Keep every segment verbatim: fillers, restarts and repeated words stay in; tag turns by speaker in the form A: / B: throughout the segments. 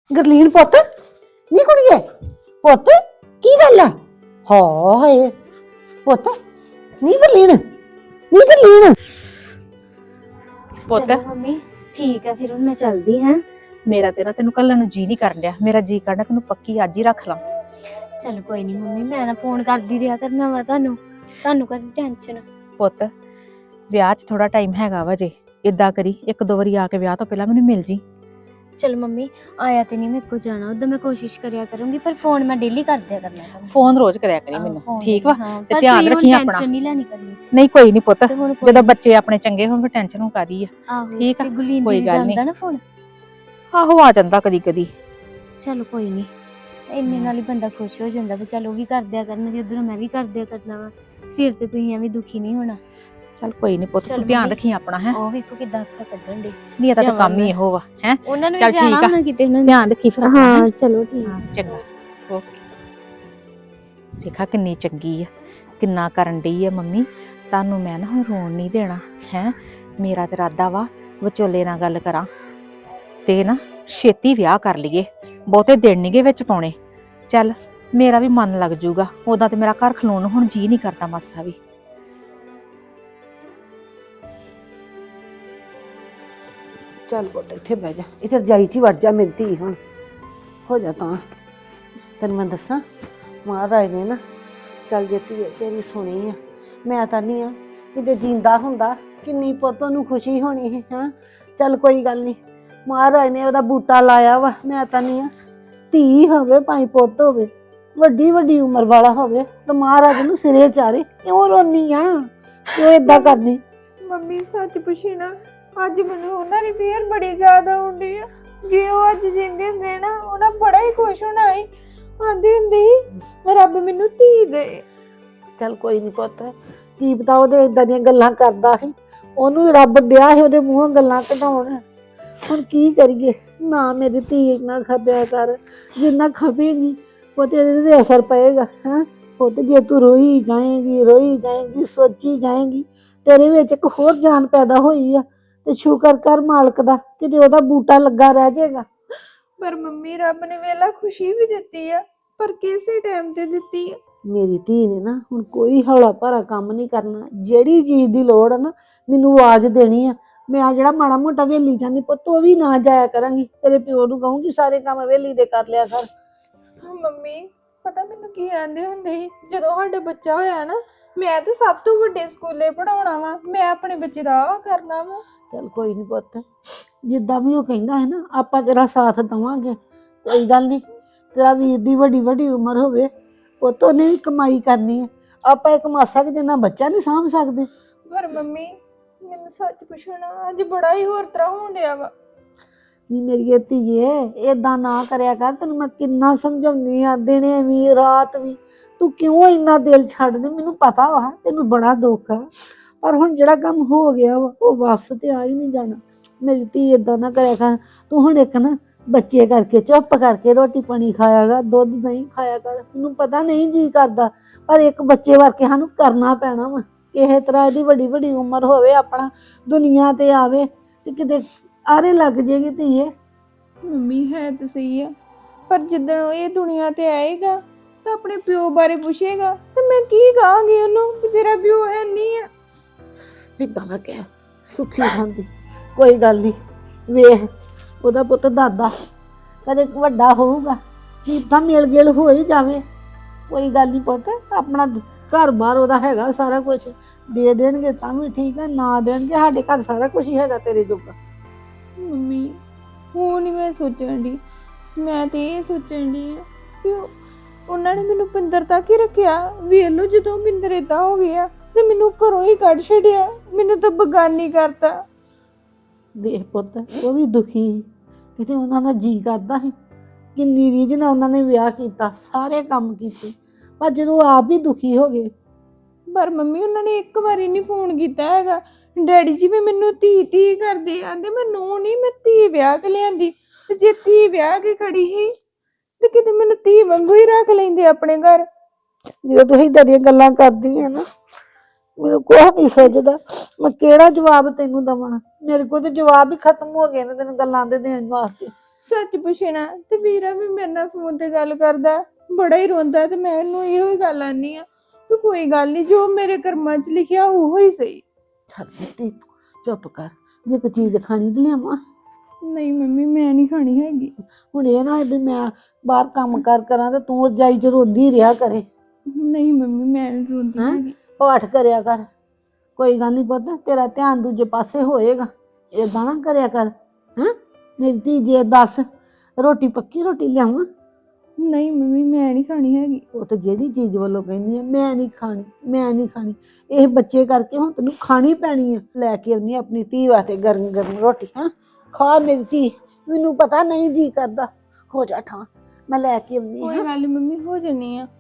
A: ਗਰਲੀਨ ਪੁੱਤ ਨੀ ਕੁੜੀਏ ਪੁੱਤ ਕੀ ਗੱਲ ਆ ਹਾਏ ਪੁੱਤ ਨੀ ਗਰਲੀਨ ਨੀ ਗਰਲੀਨ
B: ਪੁੱਤ
C: ਚਲੋ ਮੰਮੀ ਠੀਕ ਹੈ ਫਿਰ ਹੁਣ ਮੈਂ ਚੱਲਦੀ ਹਾਂ।
B: ਮੇਰਾ ਤੇ ਨਾ ਤੈਨੂੰ ਕੱਲ੍ਹ ਨੂੰ ਜੀ ਨਹੀਂ ਕਰਨ ਡਿਆ। ਮੇਰਾ ਜੀ ਕਰਦਾ ਤੈਨੂੰ ਪੱਕੀ ਅੱਜ ਹੀ ਰੱਖ ਲਾਂ।
C: ਚਲੋ ਕੋਈ ਨਹੀਂ ਮੰਮੀ, ਮੈਂ ਨਾ ਫੋਨ ਕਰਦੀ ਰਿਹਾ ਕਰਨਾ ਵਾ ਤੁਹਾਨੂੰ ਤੁਹਾਨੂੰ ਕਾਹਦੀ ਟੈਨਸ਼ਨ।
B: ਪੁੱਤ ਵਿਆਹ 'ਚ ਥੋੜਾ ਟਾਈਮ ਹੈਗਾ ਵਾ ਜੇ ਇਦਾਂ ਕਰੀ ਇੱਕ ਦੋ ਵਾਰੀ ਆ ਕੇ ਵਿਆਹ ਤੋਂ ਪਹਿਲਾਂ ਮੈਨੂੰ ਮਿਲ ਜੀ।
C: ਚਲੋ ਮੰਮੀ ਆਇਆ ਤੇ ਨਹੀਂ ਮੇਰੇ ਕੋ ਜਾਣਾ, ਉਦੋਂ ਮੈਂ ਕੋਸ਼ਿਸ਼ ਕਰਿਆ ਕਰੂੰਗੀ ਪਰ ਫੋਨ ਮੈਂ ਡੇਲੀ ਕਰਦਿਆ ਕਰਨਾ ਤੁਹਾਨੂੰ।
B: ਫੋਨ ਰੋਜ਼ ਕਰਿਆ ਕਰੀ
C: ਆਹੋ,
B: ਮੈਨੂੰ
C: phone
B: ਠੀਕ ਵਾ
C: ਹਾਂ,
B: ਤੇ
C: ਪਰ
B: ਧਿਆਨ
C: ਤੁਸੀਂ ਹੁਣ
B: ਰੱਖੀ ਆਪਣਾ।
C: ਟੈਨਸ਼ਨ ਨਹੀਂ ਲੈਣੀ ਕਰਨੀ
B: ਨਹੀਂ ਕੋਈ ਨਹੀਂ ਪੁੱਤ,
C: ਤੇ ਹੁਣ ਕੋਈ
B: ਜਦੋਂ ਬੱਚੇ ਆਪਣੇ ਚੰਗੇ ਹੋਣ ਫਿਰ ਟੈਨਸ਼ਨ ਹੋ ਕਾਦੀ ਆ।
C: ਆਹੋ
B: ਠੀਕ ਆ,
C: ਤੇ ਗੁਲੀਨ
B: ਕੋਈ
C: ਦੀਦੀ
B: ਗੱਲ
C: ਦਾ
B: ਨੀ।
C: ਆਉਂਦਾ ਨਾ ਫੋਨ।
B: ਆਹੋ ਆ ਜਾਂਦਾ ਕਦੀ ਕਦੀ।
C: ਚਲੋ ਕੋਈ ਨਹੀਂ, ਇੰਨੇ ਨਾਲ ਹੀ ਬੰਦਾ ਖੁਸ਼ ਹੋ ਜਾਂਦਾ ਵੀ ਚਲ ਉਹ ਵੀ ਕਰਦਿਆ ਕਰਨਗੇ ਉਧਰੋਂ ਮੈਂ ਵੀ ਕਰਦਿਆ ਕਰਨਾ ਵਾ, ਫਿਰ ਤੇ ਤੁਸੀਂ ਐਵੇਂ ਦੁਖੀ ਨਹੀਂ ਹੋਣਾ।
B: ਚੱਲ ਕੋਈ ਨਹੀਂ ਪੁੱਤ
C: ਚੱਲ
B: ਤੂੰ ਧਿਆਨ
C: ਮੰਮੀ,
B: ਰੱਖੀ ਆਪਣਾ ਹੈ।
C: ਉਹ ਵੇਖੋ ਕਿਦਾਂ ਅੱਖਾਂ ਕੱਢਣ ਦੇ।
B: ਨਹੀਂ ਇਹਦਾ ਤਾਂ
C: ਜਾਵਾਂ
B: ਕੰਮ ਹੀ
C: ਮੈਂ।
B: ਇਹੋ ਵਾ ਹੈ।
C: ਉਹਨਾਂ ਨੂੰ
B: ਚੱਲ
C: ਵੀ ਜਾਣਾ
B: ਠੀਕ ਆ,
C: ਹੋਣਾ ਕਿਤੇ ਉਹਨਾਂ ਨੇ।
B: ਧਿਆਨ ਰੱਖੀ ਫਿਰ ਆਪਣਾ, ਹੈਂ?
C: ਹਾਂ ਚਲੋ ਠੀਕ।
B: ਹਾਂ ਚੰਗਾ ਓਕੇ। ਦੇਖਾ ਕਿੰਨੀ ਚੰਗੀ ਆ, ਕਿੰਨਾ ਕਰਨ ਡਈ ਆ ਮੰਮੀ। ਤੁਹਾਨੂੰ ਮੈਂ ਨਾ ਹੁਣ ਰੋਣ ਨਹੀਂ ਦੇਣਾ ਹੈ। ਮੇਰਾ ਤੇ ਇਰਾਦਾ ਵਾ ਵਿਚੋਲੇ ਨਾਲ ਗੱਲ ਕਰਾਂ ਤੇ ਨਾ ਛੇਤੀ ਵਿਆਹ ਕਰ ਲਈਏ, ਬਹੁਤੇ ਦਿਨ ਨੀਗੇ ਵਿੱਚ ਪਾਉਣੇ। ਚੱਲ ਮੇਰਾ ਵੀ ਮਨ ਲੱਗ ਜੂਗਾ, ਉਦਾਂ ਤੇ ਮੇਰਾ ਘਰ ਖਲੋਣ ਨੂੰ ਹੁਣ ਜੀ ਨਹੀਂ ਕਰਦਾ ਮਾਸਾ ਵੀ।
A: ਚੱਲ ਪੁੱਤ ਇੱਥੇ ਬਹਿ ਜਾ, ਇੱਥੇ ਰਜਾਈ 'ਚ ਹੀ ਵੜ ਜਾ ਮੇਰੀ ਧੀ। ਹੁਣ ਹੋ ਜਾ ਤਾਂ ਤੈਨੂੰ ਮੈਂ ਦੱਸਾਂ ਮਹਾਰਾਜ ਨੇ ਨਾ ਚੱਲ ਜੇ ਧੀਏ ਤੇਰੀ ਸੁਣੀ ਆ। ਮੈਂ ਤਾਂ ਨਹੀਂ ਆ ਕਿਤੇ ਜਿੰਦਾ ਹੁੰਦਾ ਕਿੰਨੀ ਪੁੱਤ ਨੂੰ ਖੁਸ਼ੀ ਹੋਣੀ ਸੀ। ਹਾਂ ਚੱਲ ਕੋਈ ਗੱਲ ਨਹੀਂ, ਮਹਾਰਾਜ ਨੇ ਉਹਦਾ ਬੂਟਾ ਲਾਇਆ ਵਾ। ਮੈਂ ਤਾਂ ਨਹੀਂ ਆ ਧੀ ਹੋਵੇ ਭਾਈ ਪੁੱਤ ਹੋਵੇ ਵੱਡੀ ਵੱਡੀ ਉਮਰ ਵਾਲਾ ਹੋਵੇ ਤਾਂ ਮਹਾਰਾਜ ਨੂੰ ਸਿਰੇ ਚਾਰੇ। ਕਿਉਂ ਰੋਨੀ ਆ, ਕਿਉਂ ਏਦਾਂ ਕਰਨੀ?
D: ਮੰਮੀ ਸੱਚ ਪੁੱਛੀ ਨਾ, ਅੱਜ ਮੈਨੂੰ ਉਹਨਾਂ ਦੀ ਫੇਰ ਬੜੀ ਯਾਦ ਆਉਂਦੀ ਆ। ਜੇ ਉਹ ਅੱਜ ਜਿੰਦੇ ਹੁੰਦੇ ਨਾ ਉਹਨਾਂ ਬੜਾ ਹੀ ਖੁਸ਼ ਹੋਣਾ ਸੀ। ਆਂਦੀ ਹੁੰਦੀ ਸੀ ਰੱਬ ਮੈਨੂੰ ਧੀ ਦੇ।
A: ਚੱਲ ਕੋਈ ਨਹੀਂ ਪੁੱਤ, ਕੀ ਪਤਾ ਉਹਦੇ ਏਦਾਂ ਦੀਆਂ ਗੱਲਾਂ ਕਰਦਾ ਸੀ, ਉਹਨੂੰ ਰੱਬ ਦਿਆ ਸੀ ਉਹਦੇ ਮੂੰਹੋਂ ਗੱਲਾਂ ਕਢਾਉਣ। ਹੁਣ ਕੀ ਕਰੀਏ, ਨਾ ਮੇਰੀ ਧੀ ਇੰਨਾ ਖਪਿਆ ਕਰ, ਜਿੰਨਾ ਖਪੇਗੀ ਉਹ ਤੇ ਇਹਦੇ ਤੇ ਅਸਰ ਪਏਗਾ। ਹੈਂ ਪੁੱਤ ਜੇ ਤੂੰ ਰੋਈ ਜਾਏਂਗੀ ਰੋਈ ਜਾਏਂਗੀ ਸੋਚੀ ਜਾਏਂਗੀ, ਤੇਰੇ ਵਿੱਚ ਇੱਕ ਹੋਰ ਜਾਨ ਪੈਦਾ ਹੋਈ ਆ ਤੇ ਸ਼ੁਕਰ ਕਰ ਮਾਲਕ ਦਾ ਕਿਤੇ ਉਹਦਾ ਬੂਟਾ ਲੱਗਾ ਰਹਿ ਜਾਏਗਾ।
D: ਪਰ ਮੰਮੀ ਰੱਬ ਨੇ ਵੇਲਾ ਖੁਸ਼ੀ ਵੀ ਦਿੱਤੀ ਆ, ਪਰ ਕਿਸੇ ਟਾਈਮ ਤੇ ਦਿੱਤੀ ਆ।
A: ਮੇਰੀ ਧੀ ਨੇ ਨਾ ਹੁਣ ਕੋਈ ਹੌਲਾ ਭਾਰਾ ਕੰਮ ਨਹੀਂ ਕਰਨਾ। ਜਿਹੜੀ ਚੀਜ਼ ਦੀ ਲੋੜ ਆ ਨਾ ਮੈਨੂੰ ਆਵਾਜ਼ ਦੇਣੀ ਆ। ਮੈਂ ਆ ਜਿਹੜਾ ਮਾੜਾ ਮੋਟਾ ਵੇਲੀ ਜਾਂਦੀ ਪੁੱਤ ਉਹ ਵੀ ਨਾ ਜਾਇਆ ਕਰਾਂਗੀ। ਤੇਰੇ ਪਿਓ ਨੂੰ ਕਹੂੰਗੀ ਸਾਰੇ ਕੰਮ ਵੇਲੀ ਦੇ ਕਰ ਲਿਆ ਕਰ।
D: ਹਾਂ ਮੰਮੀ ਪਤਾ ਮੈਨੂੰ ਕੀ ਆਂਦੇ ਹੁੰਦੇ ਸੀ, ਜਦੋਂ ਸਾਡਾ ਬੱਚਾ ਹੋਇਆ ਨਾ ਮੈਂ ਤਾਂ ਸਭ ਤੋਂ ਵੱਡੇ ਸਕੂਲੇ ਪੜਾਉਣਾ ਵਾ, ਮੈਂ ਆਪਣੇ ਬੱਚੇ ਦਾ ਆਹ ਕਰਨਾ ਵਾ।
A: ਚੱਲ ਕੋਈ ਨਹੀਂ ਪੁੱਤ, ਜਿੱਦਾਂ ਵੀ ਉਹ ਕਹਿੰਦਾ ਹੈ ਨਾ ਆਪਾਂ ਤੇਰਾ ਸਾਥ ਦੇਵਾਂਗੇ। ਕੋਈ ਗੱਲ ਨਹੀਂ, ਤੇਰਾ ਵੀਰ ਦੀ ਵੱਡੀ ਵੱਡੀ ਉਮਰ ਹੋਵੇ ਪੁੱਤ, ਉਹਨੇ ਵੀ ਕਮਾਈ ਕਰਨੀ ਹੈ। ਆਪਾਂ ਇੱਕ ਮਾਸਾ ਕਿ ਜਿੰਨਾ ਬੱਚਾ ਨਹੀਂ ਸਾਂਭ ਸਕਦੇ।
D: ਪਰ ਮੰਮੀ ਮੈਨੂੰ ਸੱਚ ਪੁੱਛਣਾ ਅੱਜ ਬੜਾ ਹੀ ਹੋਰ ਤਰ੍ਹਾਂ ਹੋਣ ਡਿਆ ਵਾ।
A: ਨੀ ਮੇਰੀ ਧੀਏ ਏਦਾਂ ਨਾ ਕਰਿਆ ਕਰ, ਤੈਨੂੰ ਮੈਂ ਕਿੰਨਾ ਸਮਝਾਉਂਦੀ ਆ ਦਿਨੇ ਵੀ ਰਾਤ ਵੀ। ਤੂੰ ਕਿਉਂ ਇੰਨਾ ਦਿਲ ਛੱਡਦੀ? ਮੈਨੂੰ ਪਤਾ ਵਾ ਤੈਨੂੰ ਬੜਾ ਦੁੱਖ ਆ, ਪਰ ਹੁਣ ਜਿਹੜਾ ਕੰਮ ਹੋ ਗਿਆ ਵਾ ਉਹ ਵਾਪਸ ਤੇ ਆ ਹੀ ਨਹੀਂ ਜਾਣਾ। ਮੇਰੀ ਧੀ ਏਦਾਂ ਨਾ ਕਰਿਆ ਕਰ। ਤੂੰ ਹੁਣ ਇੱਕ ਨਾ ਬੱਚੇ ਕਰਕੇ ਚੁੱਪ ਕਰਕੇ ਰੋਟੀ ਪਾਣੀ ਖਾਇਆ ਕਰ, ਦੁੱਧ ਨਹੀਂ ਖਾਇਆ ਕਰ। ਮੈਨੂੰ ਪਤਾ ਨਹੀਂ ਜੀ ਕਰਦਾ, ਪਰ ਇੱਕ ਬੱਚੇ ਵਰਗੇ ਸਾਨੂੰ ਕਰਨਾ ਪੈਣਾ ਵਾ। ਕਿਸੇ ਤਰ੍ਹਾਂ ਇਹਦੀ ਵੱਡੀ ਵੱਡੀ ਉਮਰ ਹੋਵੇ, ਆਪਣਾ ਦੁਨੀਆ ਤੇ ਆਵੇ ਤੇ ਕਿਤੇ ਆਰੇ ਲੱਗ ਜੇਗੀ ਧੀਏ।
D: ਮੰਮੀ ਹੈ ਤਾਂ ਸਹੀ ਆ, ਪਰ ਜਿੱਦਣ ਉਹ ਇਹ ਦੁਨੀਆ ਤੇ ਆਏਗਾ ਤਾਂ ਆਪਣੇ ਪਿਓ ਬਾਰੇ ਪੁੱਛੇਗਾ ਤੇ ਮੈਂ ਕੀ ਕਹਾਂਗੀ ਉਹਨੂੰ ਕਿ ਤੇਰਾ ਪਿਓ ਹੈ ਨਹੀਂ ਆ।
A: ਏਦਾਂ ਨਾ ਕਹਿ, ਸੁੱਖੀ ਖਾਂਦੀ। ਕੋਈ ਗੱਲ ਨਹੀਂ, ਵੇਖ ਉਹਦਾ ਪੁੱਤ ਦਾਦਾ ਕਦੇ ਵੱਡਾ ਹੋਊਗਾ, ਕੀ ਪਤਾ ਮੇਲ ਗੇਲ ਹੋ ਹੀ ਜਾਵੇ। ਕੋਈ ਗੱਲ ਨਹੀਂ ਪੁੱਤ, ਆਪਣਾ ਘਰ ਬਾਰ ਉਹਦਾ ਹੈਗਾ ਸਾਰਾ ਕੁਝ। ਦੇ ਦੇਣਗੇ ਤਾਂ ਵੀ ਠੀਕ ਹੈ, ਨਾ ਦੇਣਗੇ ਸਾਡੇ ਘਰ ਸਾਰਾ ਕੁਝ ਹੀ ਹੈਗਾ ਤੇਰੇ ਜੋਗਾ।
D: ਮੰਮੀ ਉਹ ਨਹੀਂ ਮੈਂ ਸੋਚਣ ਦੀ, ਮੈਂ ਤੇ ਇਹ ਸੋਚਣ ਦੀ ਆ ਕਿ ਉਹ- ਉਹਨਾਂ ਨੇ ਮੈਨੂੰ ਪਿੰਦਰ ਤੱਕ ਹੀ ਰੱਖਿਆ। ਵੇਖ ਲਓ ਜਦੋਂ ਪਿੰਦਰ ਏਦਾਂ ਹੋ ਗਿਆ ਤੇ ਮੈਨੂੰ ਘਰੋਂ ਹੀ ਕੱਢ ਛੱਡਿਆ, ਮੈਨੂੰ ਤਾਂ ਬਗਾਨੀ ਕਰਤਾ।
A: ਦੇਖ ਪੁੱਤ ਉਹ ਵੀ ਦੁਖੀ ਸੀ, ਕਿਤੇ ਉਹਨਾਂ ਦਾ ਜੀ ਕਰਦਾ ਸੀ। ਕਿੰਨੀ ਰੀਝ ਨਾਲ ਉਹਨਾਂ ਨੇ ਵਿਆਹ ਕੀਤਾ, ਸਾਰੇ ਕੰਮ ਕੀਤੇ, ਪਰ ਜਦੋਂ ਆਪ ਹੀ ਦੁਖੀ ਹੋ ਗਏ।
D: ਪਰ ਮੰਮੀ ਉਹਨਾਂ ਨੇ ਇੱਕ ਵਾਰੀ ਨਹੀਂ ਫੋਨ ਕੀਤਾ ਹੈਗਾ। ਡੈਡੀ ਜੀ ਵੀ ਮੈਨੂੰ ਧੀ ਧੀ ਕਰਦੇ ਆਂਦੇ, ਮੈਂ ਨੂੰਹ ਨਹੀਂ ਮੈਂ ਧੀ ਵਿਆਹ ਕੇ ਲਿਆਂਦੀ, ਤੇ ਜੇ ਧੀ ਵਿਆਹ ਕੇ ਖੜੀ ਸੀ ਤੇ ਕਿਤੇ ਮੈਨੂੰ ਧੀ ਵਾਂਗੂ ਹੀ ਰੱਖ ਲੈਂਦੇ ਆਪਣੇ ਘਰ।
A: ਜਦੋਂ ਤੁਸੀਂ ਏਦਾਂ ਦੀਆਂ ਗੱਲਾਂ ਕਰਦੀ ਹੈ ਨਾ ਮੈਨੂੰ ਕੁਛ ਨਹੀਂ ਸੋਚਦਾ, ਮੈਂ ਕਿਹੜਾ ਜਵਾਬ ਤੈਨੂੰ ਦੇਵਾਂ। ਮੇਰੇ ਕੋਲ ਤੇ ਜਵਾਬ ਹੀ ਖਤਮ ਹੋ ਗਏ ਨੇ ਤੈਨੂੰ ਗੱਲਾਂ ਦੇ ਦੇਣ ਵਾਸਤੇ।
D: ਸੱਚ ਪੁੱਛਣਾ ਤੇ ਵੀਰਾ ਵੀ ਮੇਰੇ ਨਾਲ ਫੋਨ ਤੇ ਗੱਲ ਕਰਦਾ, ਬੜਾ ਹੀ ਰੋਂਦਾ, ਤੇ ਮੈਂ ਇਹਨੂੰ ਇਹੋ ਹੀ ਗੱਲ ਆਨੀ ਆ ਤੂੰ ਕੋਈ ਗੱਲ ਨਹੀਂ, ਜੋ ਮੇਰੇ ਕਰਮਾਂ 'ਚ ਲਿਖਿਆ ਉਹ ਹੀ ਸਹੀ।
A: ਚੱਲ ਬੇਟੀ ਚੁੱਪ ਕਰ, ਜੇ ਕੋਈ ਚੀਜ਼ ਖਾਣੀ ਤੇ ਲਿਆਵਾਂ।
D: ਨਹੀਂ ਮੰਮੀ ਮੈਂ ਨਹੀਂ ਖਾਣੀ ਹੈਗੀ।
A: ਹੁਣ ਇਹ ਨਾ ਹੋਏ ਵੀ ਮੈਂ ਬਾਹਰ ਕੰਮ ਕਰ ਕਰਾਂ ਤੇ ਤੂੰ ਰਜਾਈ ਚ ਰੋਂਦੀ ਰਿਹਾ ਕਰੇ।
D: ਨਹੀਂ ਮੰਮੀ ਮੈਂ ਨਹੀਂ ਰੋਂਦੀ
A: ਹੈਂ?
D: ਹੈਗੀ।
A: ਪਾਠ ਕਰਿਆ ਕਰ, ਕੋਈ ਗੱਲ ਨਹੀਂ ਪੁੱਤ, ਤੇਰਾ ਧਿਆਨ ਦੂਜੇ ਪਾਸੇ ਹੋਏਗਾ। ਏਦਾਂ ਨਾ ਕਰਿਆ ਕਰ। ਹੈਂ ਮੇਰੀ ਧੀ, ਜੇ ਦੱਸ ਰੋਟੀ ਪੱਕੀ ਰੋਟੀ ਲਿਆਵਾਂ?
D: ਨਹੀਂ ਮੰਮੀ ਮੈਂ ਨਹੀਂ ਖਾਣੀ ਹੈਗੀ।
A: ਉਹ ਤੇ ਜਿਹੜੀ ਚੀਜ਼ ਵੱਲੋਂ ਕਹਿੰਦੀ ਆ ਮੈਂ ਨਹੀਂ ਖਾਣੀ, ਮੈਂ ਨਹੀਂ ਖਾਣੀ, ਇਹ ਬੱਚੇ ਕਰਕੇ ਹੁਣ ਤੈਨੂੰ ਖਾਣੀ ਪੈਣੀ ਆ। ਲੈ ਕੇ ਆਉਣੀ ਆਪਣੀ ਧੀ ਵਾਸਤੇ ਗਰਮ ਗਰਮ ਰੋਟੀ। ਹਾਂ ਖਾ ਮੇਰੀ ਧੀ, ਮੈਨੂੰ ਪਤਾ ਨਹੀਂ ਜੀ ਕਰਦਾ, ਹੋ ਜਾ ਠਾਂ, ਮੈਂ ਲੈ ਕੇ ਆਉਣੀ।
D: ਕੋਈ ਗੱਲ ਨੀ ਮੰਮੀ, ਹੋ ਜੰਨੀ ਆ।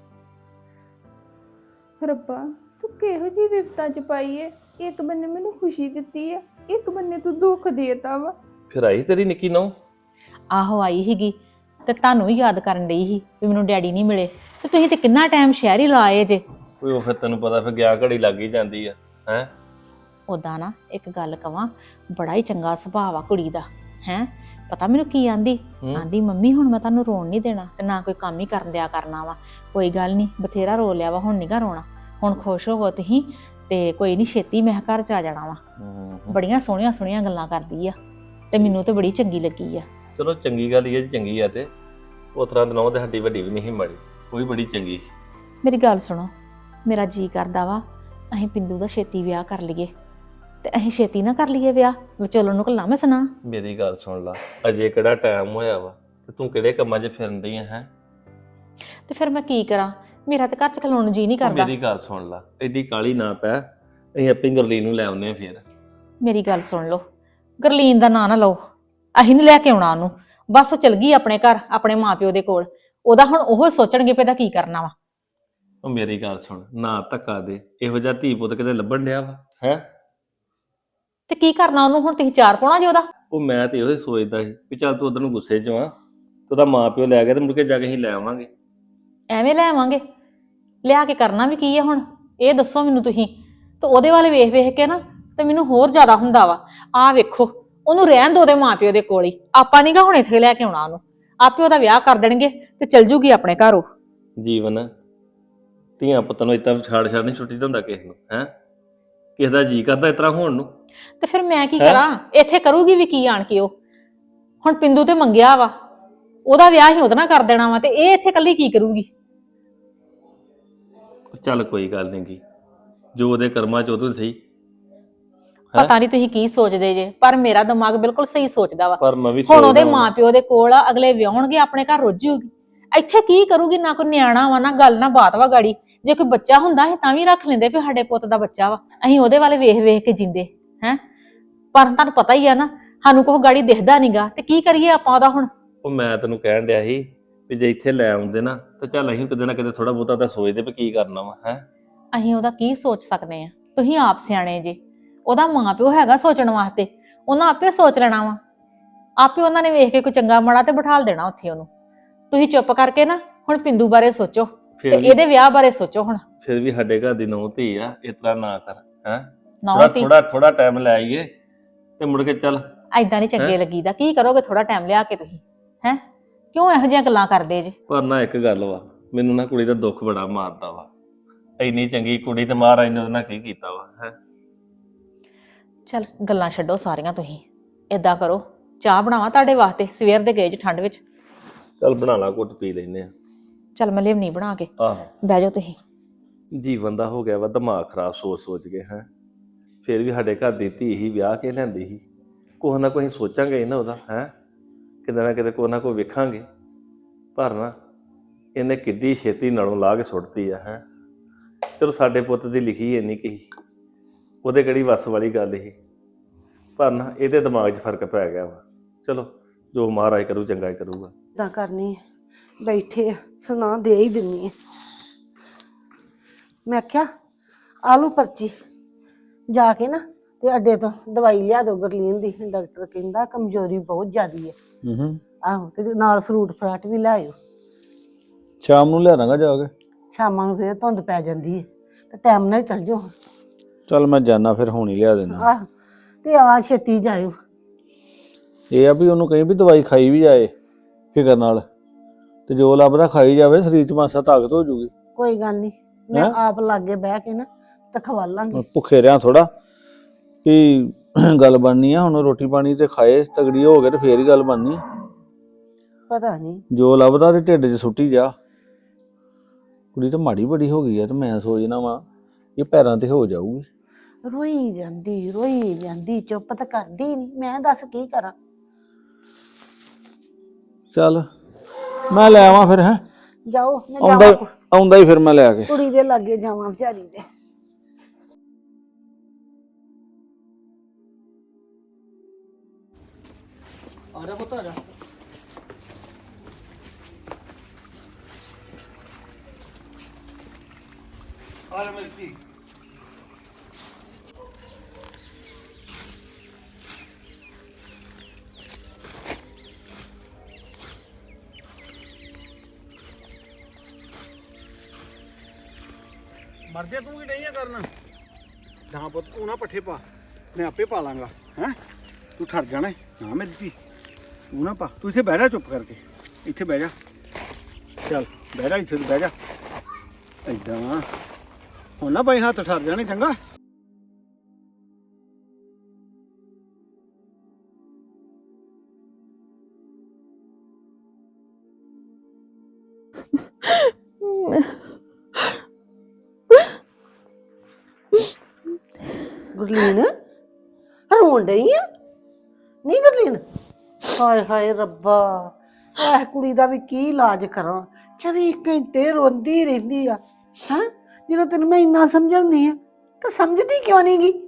D: ਰੱਬਾ ਤੂੰ ਕਿਹੋ ਜਿਹੀ ਵਿਪਤਾ ਚ ਪਾਈ ਏ, ਇੱਕ ਬੰਨੇ ਮੈਨੂੰ ਖੁਸ਼ੀ ਦਿੱਤੀ ਆ, ਇੱਕ ਬੰਨੇ ਤੂੰ ਦੁੱਖ ਦੇਤਾ ਵਾ।
E: ਫਿਰ ਆਈ ਤੇਰੀ ਨਿੱਕੀ ਨੂੰ?
B: ਆਹੋ ਆਈ ਸੀਗੀ, ਤੇ ਤੁਹਾਨੂੰ ਹੀ ਯਾਦ ਕਰਨ ਡਈ ਸੀ ਵੀ ਮੈਨੂੰ ਡੈਡੀ ਨਹੀਂ ਮਿਲੇ, ਤੇ ਤੁਸੀਂ ਤੇ ਕਿੰਨਾ ਟਾਈਮ ਸ਼ਹਿਰ ਹੀ ਲਾਏ ਜੇ।
E: ਕੋਈ ਉਹ ਫਿਰ ਤੈਨੂੰ ਪਤਾ ਫਿਰ ਗਿਆ ਘੜੀ ਲੱਗ ਹੀ ਜਾਂਦੀ ਆ। ਹੈ
B: ਉਦਾਂ ਨਾ ਇੱਕ ਗੱਲ ਕਵਾਂ, ਬੜਾ ਹੀ ਚੰਗਾ ਸੁਭਾਅ ਆ ਕੁੜੀ ਦਾ। ਹੈ ਪਤਾ ਮੈਨੂੰ ਕੀ ਆਂਦੀ? ਆਂਦੀ ਮੰਮੀ ਹੁਣ ਮੈਂ ਤੁਹਾਨੂੰ ਰੋਣ ਨਹੀਂ ਦੇਣਾ, ਤੇ ਨਾ ਕੋਈ ਕੰਮ ਹੀ ਕਰਨ ਦਿਆ ਕਰਨਾ ਵਾ। ਕੋਈ ਗੱਲ ਨਹੀਂ, ਬਥੇਰਾ ਰੋ ਲਿਆ ਵਾ, ਹੁਣ ਨੀਗਾ ਰੋਣਾ, ਹੁਣ ਖੁਸ਼ ਹੋਵੋ ਤੁਸੀਂ, ਤੇ ਕੋਈ ਨਹੀਂ ਛੇਤੀ ਮੈਂ ਘਰ ਚ ਆ ਜਾਣਾ ਵਾ। ਬੜੀਆਂ ਸੋਹਣੀਆਂ ਸੋਹਣੀਆਂ ਗੱਲਾਂ ਕਰਦੀ ਆ, ਤੇ ਮੈਨੂੰ ਤੇ ਬੜੀ ਚੰਗੀ ਲੱਗੀ ਆ।
E: ਚਲੋ ਚੰਗੀ ਗੱਲ ਹੀ ਹੈ ਜੀ, ਚੰਗੀ ਆ। ਤੇ ਉਸ ਤਰ੍ਹਾਂ ਦਿਨੋਂ ਤੇ ਸਾਡੀ ਵੱਡੀ ਵੀ ਨਹੀਂ ਮਾੜੀ, ਉਹ ਵੀ ਬੜੀ ਚੰਗੀ।
B: ਮੇਰੀ ਗੱਲ ਸੁਣੋ, ਮੇਰਾ ਜੀ ਕਰਦਾ ਵਾ ਅਸੀਂ ਪਿੰਦੂ ਦਾ ਛੇਤੀ ਵਿਆਹ ਕਰ ਲਈਏ, ਤੇ ਅਸੀਂ ਛੇਤੀ ਨਾ ਕਰ ਲਈਏ ਵਿਆਹ, ਵਿਚੋਲਣ ਨੂੰ ਘੱਲਾਂ ਮੈਂ ਸੁਣਾ।
E: ਮੇਰੀ ਗੱਲ ਸੁਣ ਲਾ, ਅਜੇ ਕਿਹੜਾ ਟਾਈਮ ਹੋਇਆ ਵਾ, ਤੇ ਤੂੰ ਕਿਹੜੇ ਕੰਮਾਂ 'ਚ ਫਿਰਨ ਰਹੀ ਹੈ?
B: ਤੇ ਫਿਰ ਮੈਂ ਕੀ ਕਰਾਂ, ਮੇਰਾ ਤੇ ਘਰ ਚ ਖਲੋਣ ਨੂੰ ਜੀ ਨਹੀਂ ਕਰਦਾ।
E: ਮੇਰੀ ਗੱਲ ਸੁਣ ਲਾ, ਐਡੀ ਕਾਲੀ ਨਾ ਪੈ, ਅਸੀਂ ਆਪੇ ਗੁਰਲੀਨ ਨੂੰ ਲੈ ਆਉਂਦੇ ਆ। ਫਿਰ
B: ਮੇਰੀ ਗੱਲ ਸੁਣ ਲਓ, ਗੁਰਲੀਨ ਦਾ ਨਾਂ ਨਾ ਲਓ, ਅਸੀਂ ਨਹੀਂ ਲੈ ਕੇ ਆਉਣਾ ਉਹਨੂੰ, ਬਸ ਉਹ ਚਲ ਗਈ ਆਪਣੇ ਘਰ, ਆਪਣੇ ਮਾਪਿਓ ਦੇ ਕੋਲ। ਉਹਦਾ ਹੁਣ ਉਹ ਸੋਚਣਗੇ ਪਏ ਦਾ ਕੀ ਕਰਨਾ ਵਾ।
E: ਉਹ ਮੇਰੀ ਗੱਲ ਸੁਣ, ਨਾ ਧੱਕਾ ਦੇ, ਇਹੋ ਜਿਹਾ ਧੀ ਪੁੱਤ ਕਿਤੇ ਲੱਭਣ ਡਿਆ ਵਾ ਹੈ?
B: ਤੇ ਕੀ ਕਰਨਾ ਉਹਨੂੰ ਹੁਣ, ਤੁਸੀਂ ਚਾਰ ਪਾਉਣਾ ਜੇ ਉਹਦਾ।
E: ਉਹ ਮੈਂ ਤੇ ਇਹੋ ਹੀ ਸੋਚਦਾ ਸੀ ਵੀ ਚੱਲ ਤੂੰ ਉਧਰ ਨੂੰ ਗੁੱਸੇ 'ਚ ਆ, ਤੇ ਉਹਦਾ ਮਾਂ ਪਿਓ ਲੈ ਗਿਆ, ਤੇ ਮੁੜ ਕੇ ਜਾ ਕੇ ਅਸੀਂ ਲੈ ਆਵਾਂਗੇ।
B: ਐਵੇਂ ਲੈ ਆਵਾਂਗੇ, ਲਿਆ ਕੇ ਕਰਨਾ ਵੀ ਕੀ ਆ ਹੁਣ, ਇਹ ਦੱਸੋ ਮੈਨੂੰ ਤੁਸੀਂ। ਤੇ ਉਹਦੇ ਵਾਲੇ ਵੇਖ ਵੇਖ ਕੇ ਨਾ ਤੇ ਮੈਨੂੰ ਹੋਰ ਜ਼ਿਆਦਾ ਹੁੰਦਾ ਵਾ। ਆਹ ਵੇਖੋ, ਉਹਨੂੰ ਰਹਿਣ ਦੋ ਉਹਦੇ ਮਾਪਿਓ ਦੇ ਕੋਲ ਹੀ, ਆਪਾਂ ਨੀਗਾ ਹੁਣ ਇੱਥੇ ਲੈ ਕੇ ਆਉਣਾ ਉਹਨੂੰ। ਆਪੇ ਉਹਦਾ ਵਿਆਹ ਕਰ ਦੇਣਗੇ ਤੇ ਚਲ ਜੂਗੀ ਆਪਣੇ ਘਰ ਉਹ।
E: ਜੀਵਨ ਧੀਆਂ ਪੁੱਤਾਂ ਨੂੰ ਇਤਾਂ ਛਾੜ ਛਾੜ ਨਹੀਂ ਛੁੱਟੀ ਦਿੰਦਾ ਕਿਸੇ ਨੂੰ। ਹੈ ਕਿਸੇ ਦਾ ਜੀ ਕਰਦਾ ਇਸ ਤਰ੍ਹਾਂ ਹੋਣ ਨੂੰ।
B: ਤੇ ਫਿਰ ਮੈਂ ਕੀ ਕਰਾਂ, ਇੱਥੇ ਕਰੂਗੀ ਵੀ ਕੀ ਆਣ ਕੇ ਉਹ। ਹੁਣ ਪਿੰਦੂ ਤੇ ਮੰਗਿਆ ਵਾ, ਉਹਦਾ ਵਿਆਹ ਹੀ ਉਹਦੇ ਨਾਲ ਕਰ ਦੇਣਾ ਵਾ, ਤੇ ਇਹ ਇੱਥੇ ਇਕੱਲੀ ਕੀ ਕਰੂਗੀ।
E: ਚੱਲ ਕੋਈ ਗੱਲ ਨਹੀਂ ਗੀ, ਜੋ ਉਹਦੇ ਕਰਮਾਂ ਚ ਉਦੋਂ ਸਹੀ।
B: ਪਤਾ ਨਹੀਂ ਤੁਸੀਂ ਕੀ ਸੋਚਦੇ ਜੇ, ਪਰ ਮੇਰਾ ਦਿਮਾਗ ਬਿਲਕੁਲ ਸਹੀ ਸੋਚਦਾ ਵਾ।
E: ਪਰ ਮੈਂ ਵੀ
B: ਹੁਣ ਉਹਦੇ ਮਾਪਿਓ ਦੇ ਕੋਲ ਆ, ਅਗਲੇ ਵਿਆਹਣਗੇ, ਆਪਣੇ ਘਰ ਰੁੱਝੂਗੀ, ਇੱਥੇ ਕੀ ਕਰੂਗੀ। ਨਾ ਕੋਈ ਨਿਆਣਾ ਵਾ, ਨਾ ਗੱਲ ਨਾ ਬਾਤ ਵਾ ਗਾੜੀ। ਜੇ ਕੋਈ ਬੱਚਾ ਹੁੰਦਾ ਅਸੀਂ ਤਾਂ ਵੀ ਰੱਖ ਲੈਂਦੇ ਵੀ ਸਾਡੇ ਪੁੱਤ ਦਾ ਬੱਚਾ ਵਾ, ਅਸੀਂ ਉਹਦੇ ਵਾਲੇ ਵੇਖ ਵੇਖ ਕੇ ਜਿੰਦੇ ਹੈ। ਪਰ ਤੁਹਾਨੂੰ ਪਤਾ ਹੀ ਆ ਨਾ, ਸਾਨੂੰ ਕੋਈ ਗਾੜੀ ਦਿਖਦਾ ਨਹੀਂਗਾ, ਤੇ ਕੀ ਕਰੀਏ ਆਪਾਂ ਉਹਦਾ ਹੁਣ।
E: ਉਹ ਮੈਂ ਤੈਨੂੰ ਕਹਿਣ ਡਿਆ ਸੀ ਵੀ ਜੇ ਇੱਥੇ ਲੈ ਆਉਂਦੇ ਨਾ, ਤਾਂ ਚੱਲ ਅਸੀਂ ਕਿਤੇ ਨਾ ਕਿਤੇ ਥੋੜਾ ਬਹੁਤਾ ਤਾਂ ਸੋਚਦੇ ਵੀ ਕੀ ਕਰਨਾ ਵਾ। ਹੈ
B: ਅਸੀਂ ਉਹਦਾ ਕੀ ਸੋਚ ਸਕਦੇ ਆ, ਤੁਸੀਂ ਆਪ ਸਿਆਣੇ ਜੇ। ਉਹਦਾ ਮਾਂ ਪਿਓ ਹੈਗਾ ਸੋਚਣ ਵਾਸਤੇ, ਉਹਨਾਂ ਆਪੇ ਸੋਚ ਲੈਣਾ ਵਾ। ਆਪੇ ਉਹਨਾਂ ਨੇ ਵੇਖ ਕੇ ਕੋਈ ਚੰਗਾ ਮਾੜਾ ਤੇ ਬਿਠਾਲ ਦੇਣਾ ਉੱਥੇ ਉਹਨੂੰ। ਤੁਸੀਂ ਚੁੱਪ ਕਰਕੇ ਨਾ ਹੁਣ ਪਿੰਦੂ ਬਾਰੇ ਸੋਚੋ, ਤੇ ਇਹਦੇ ਵਿਆਹ ਬਾਰੇ ਸੋਚੋ ਹੁਣ।
E: ਫਿਰ ਵੀ ਸਾਡੇ ਘਰ ਦੀ ਨੂੰਹ ਧੀ ਆ, ਇਸ ਤਰ੍ਹਾਂ ਨਾ ਕਰ। ਹੈ
B: ਨਾ
E: ਥੋੜਾ ਥੋੜਾ ਟਾਈਮ ਲੈ ਆਈਏ, ਤੇ ਮੁੜ ਕੇ ਚੱਲ।
B: ਐਦਾਂ ਨਹੀਂ ਚੰਗੇ ਲੱਗੀਦਾ। ਕੀ ਕਰੋਗੇ ਥੋੜਾ ਟਾਈਮ ਲਿਆ ਕੇ ਤੁਸੀਂ? ਹੈ ਕਿਉਂ ਇਹੋ ਜਿਹੀਆਂ ਗੱਲਾਂ ਕਰਦੇ ਜੇ?
E: ਪਰ ਨਾ ਇੱਕ ਗੱਲ ਵਾ, ਮੈਨੂੰ ਨਾ ਕੁੜੀ ਦਾ ਦੁੱਖ ਬੜਾ ਮਾਰਦਾ ਵਾ। ਇੰਨੀ ਚੰਗੀ ਕੁੜੀ ਤੇ ਮਹਾਰਾਜ ਨੇ ਉਹਦੇ ਨਾਲ ਕੀ ਕੀਤਾ ਵਾ। ਹੈ
B: ਚੱਲ ਗੱਲਾਂ ਛੱਡੋ ਸਾਰੀਆਂ, ਤੁਸੀਂ ਏਦਾਂ ਕਰੋ, ਚਾਹ ਬਣਾਵਾਂ ਤੁਹਾਡੇ ਵਾਸਤੇ? ਸਵੇਰ ਦੇ ਗਏ ਜੇ ਠੰਡ ਵਿੱਚ।
E: ਚੱਲ ਬਣਾ ਲਾ, ਘੁੱਟ ਪੀ ਲੈਨੇ ਆ।
B: ਚੱਲ ਮੈਂ ਲਿਆਉਣੀ ਬਣਾ ਕੇ,
E: ਆਹੋ
B: ਬਹਿ ਜਾਓ ਤੁਸੀਂ।
E: ਜੀਵਨ ਦਾ ਹੋ ਗਿਆ ਵਾ ਦਿਮਾਗ ਖਰਾਬ ਸੋਚ ਸੋਚ ਕੇ। ਹੈ ਫਿਰ ਵੀ ਸਾਡੇ ਘਰ ਦੀ ਧੀ ਹੀ ਵਿਆਹ ਕੇ ਲੈਂਦੀ ਸੀ, ਕੁਛ ਨਾ ਕੁਛ ਸੋਚਾਂਗੇ ਨਾ ਉਹਦਾ। ਹੈ ਕਿਤੇ ਨਾ ਕਿਤੇ ਕੋਈ ਨਾ ਕੋਈ ਵੇਖਾਂਗੇ। ਪਰ ਨਾ ਇਹਨੇ ਕਿੱਡੀ ਛੇਤੀ ਨਾਲੋਂ ਲਾ ਕੇ ਸੁੱਟਤੀ ਆ। ਹੈ ਚਲੋ ਸਾਡੇ ਪੁੱਤ ਦੀ ਲਿਖੀ ਇੰਨੀ ਕਹੀ, ਉਹਦੇ ਕਿਹੜੀ ਵੱਸ ਵਾਲੀ ਗੱਲ ਸੀ। ਪਰ ਨਾ ਇਹਦੇ ਦਿਮਾਗ 'ਚ ਫਰਕ ਪੈ ਗਿਆ ਵਾ। ਚਲੋ ਜੋ ਮਹਾਰਾਜ ਕਰੂ ਚੰਗਾ ਹੀ ਕਰੂਗਾ।
A: ਇਦਾਂ ਕਰਨੀ ਹੈ, ਬੈਠੇ ਆ, ਸੁਣਾ ਦੇ ਹੀ ਦਿੰਨੀ ਆ। ਮੈਂ ਕਿਹਾ ਆਲੂ ਪਰਚੀ ਜਾ ਕੇ ਨਾ ਤੇ ਅੱਡੇ ਤੋਂ ਦਵਾਈ ਲਿਆ ਦਿਓ ਗੁਰਲੀਨ ਦੀ, ਡਾਕਟਰ ਕਹਿੰਦਾ ਕਮਜ਼ੋਰੀ ਬਹੁਤ ਜ਼ਿਆਦੀ ਹੈ।
F: ਹੂੰ
A: ਆਹੋ, ਤੇ ਨਾਲ ਫਰੂਟ ਫਰਾਟ ਵੀ ਲਾਇਓ।
F: ਸ਼ਾਮ ਨੂੰ ਲਿਆ ਦਾਂਗਾ ਜਾ ਕੇ।
A: ਸ਼ਾਮਾਂ ਨੂੰ ਫੇਰ ਧੁੰਦ ਪੈ ਜਾਂਦੀ ਹੈ, ਤੇ ਟਾਈਮ ਨਾਲ ਚੱਲ ਜਾਓ।
F: ਚੱਲ ਮੈਂ ਜਾਣਾ ਫਿਰ, ਹੁਣ ਹੀ ਲਿਆ ਦੇਣਾ।
A: ਆਹ ਤੇ ਆ ਛੇਤੀ ਜਾਇਓ।
F: ਇਹ ਆ ਵੀ ਉਹਨੂੰ ਕਹੀਂ ਵੀ ਦਵਾਈ ਖਾਈ ਵੀ ਜਾਏ। ਫਿਕਰ ਨਾਲ। ਤੇ ਜੋ ਲੱਭਦਾ ਖਾਈ ਜਾਵੇ, ਸਰੀਰ 'ਚ ਮਾਸਾ ਤਾਕਤ ਹੋ ਜੂਗੀ।
A: ਕੋਈ ਗੱਲ ਨਹੀਂ, ਮੈਂ
F: ਹੈਂ?
A: ਆਪ ਲਾਗੇ ਬਹਿ ਕੇ ਨਾ ਤੇ ਖਵਾ ਲਾਂਗੀ।
F: ਭੁੱਖੇ ਰਿਆਂ ਥੋੜਾ ਵੀ ਗੱਲ ਬਣਨੀ ਆ। ਹੁਣ ਰੋਟੀ ਪਾਣੀ ਤੇ ਖਾਏ, ਤਗੜੀ ਹੋ ਗਏ ਤੇ ਫੇਰ ਹੀ ਗੱਲ ਬਣਨੀ।
A: ਪਤਾ ਨਹੀਂ
F: ਜੋ ਲੱਭਦਾ ਤੇ ਢਿੱਡ 'ਚ ਸੁੱਟੀ ਜਾ। ਕੁੜੀ ਤਾਂ ਮਾੜੀ ਬੜੀ ਹੋ ਗਈ ਆ ਤੇ ਮੈਂ ਸੋਚਣਾ ਵਾ ਇਹ ਪੈਰਾਂ ਤੇ ਹੋ ਜਾਊਗੀ।
A: ਰੋਈ ਜਾਂਦੀ ਰੋਈ ਜਾਂਦੀ, ਚੁੱਪ ਤਾਂ ਕਰਦੀ ਨਹੀਂ। ਮੈਂ ਦੱਸ ਕੀ ਕਰਾਂ।
F: ਚੱਲ ਮੈਂ ਲੈ ਆਵਾਂ ਫਿਰ। ਹੈ
A: ਜਾਓ, ਮੈਂ
F: ਆਉਂਦਾ
A: ਜਾਵਾਂ
F: ਆਉਂਦਾ ਹੀ ਫਿਰ ਮੈਂ ਲੈ ਕੇ।
A: ਕੁੜੀ ਦੇ ਲਾਗੇ ਜਾਵਾਂ ਵਿਚਾਰੀ ਦੇ।
G: ਆ ਜਾ ਪੁੱਤ ਆ ਜਾ। ਆ ਜਾ ਮੇਰੀ ਧੀ। ਮਰ ਜਾ, ਤੂੰ ਕੀ ਨਹੀਂ ਆ ਕਰਨਾ। ਨਾ ਪੁੱਤ ਤੂੰ ਨਾ ਪੱਠੇ ਪਾ, ਮੈਂ ਆਪੇ ਪਾ ਲਾਂਗਾ। ਹੈ ਤੂੰ ਠਰ ਜਾਣਾ ਨਾ ਮੇਰੀ ਧੀ। ਤੂੰ ਨਾ ਪਾ, ਤੂੰ ਇੱਥੇ ਬਹਿ ਜਾ ਚੁੱਪ ਕਰਕੇ। ਇੱਥੇ ਬਹਿ ਜਾ, ਚੱਲ ਬਹਿ ਜਾ ਇੱਥੇ, ਬਹਿ ਜਾ ਏਦਾਂ। ਹੁਣ ਨਾ ਬਾਈ ਹੱਥ ਠਰ ਜਾਣੇ, ਚੰਗਾ।
A: ਗੁਰਲੀਨ ਰੋਣ ਡਈ ਆ? ਨਹੀਂ ਗੁਰਲੀਨ, ਹਾਏ ਹਾਏ ਰੱਬਾ, ਇਹ ਕੁੜੀ ਦਾ ਵੀ ਕੀ ਇਲਾਜ ਕਰਾਂ। ਚੌਵੀ ਘੰਟੇ ਰੋਂਦੀ ਰਹਿੰਦੀ ਆ। ਹਾਂ, ਜਦੋਂ ਤੈਨੂੰ ਮੈਂ ਇੰਨਾ ਸਮਝਾਉਂਦੀ ਆ ਤਾਂ ਸਮਝਦੀ ਕਿਉਂ ਨਹੀਂ ਗੀ?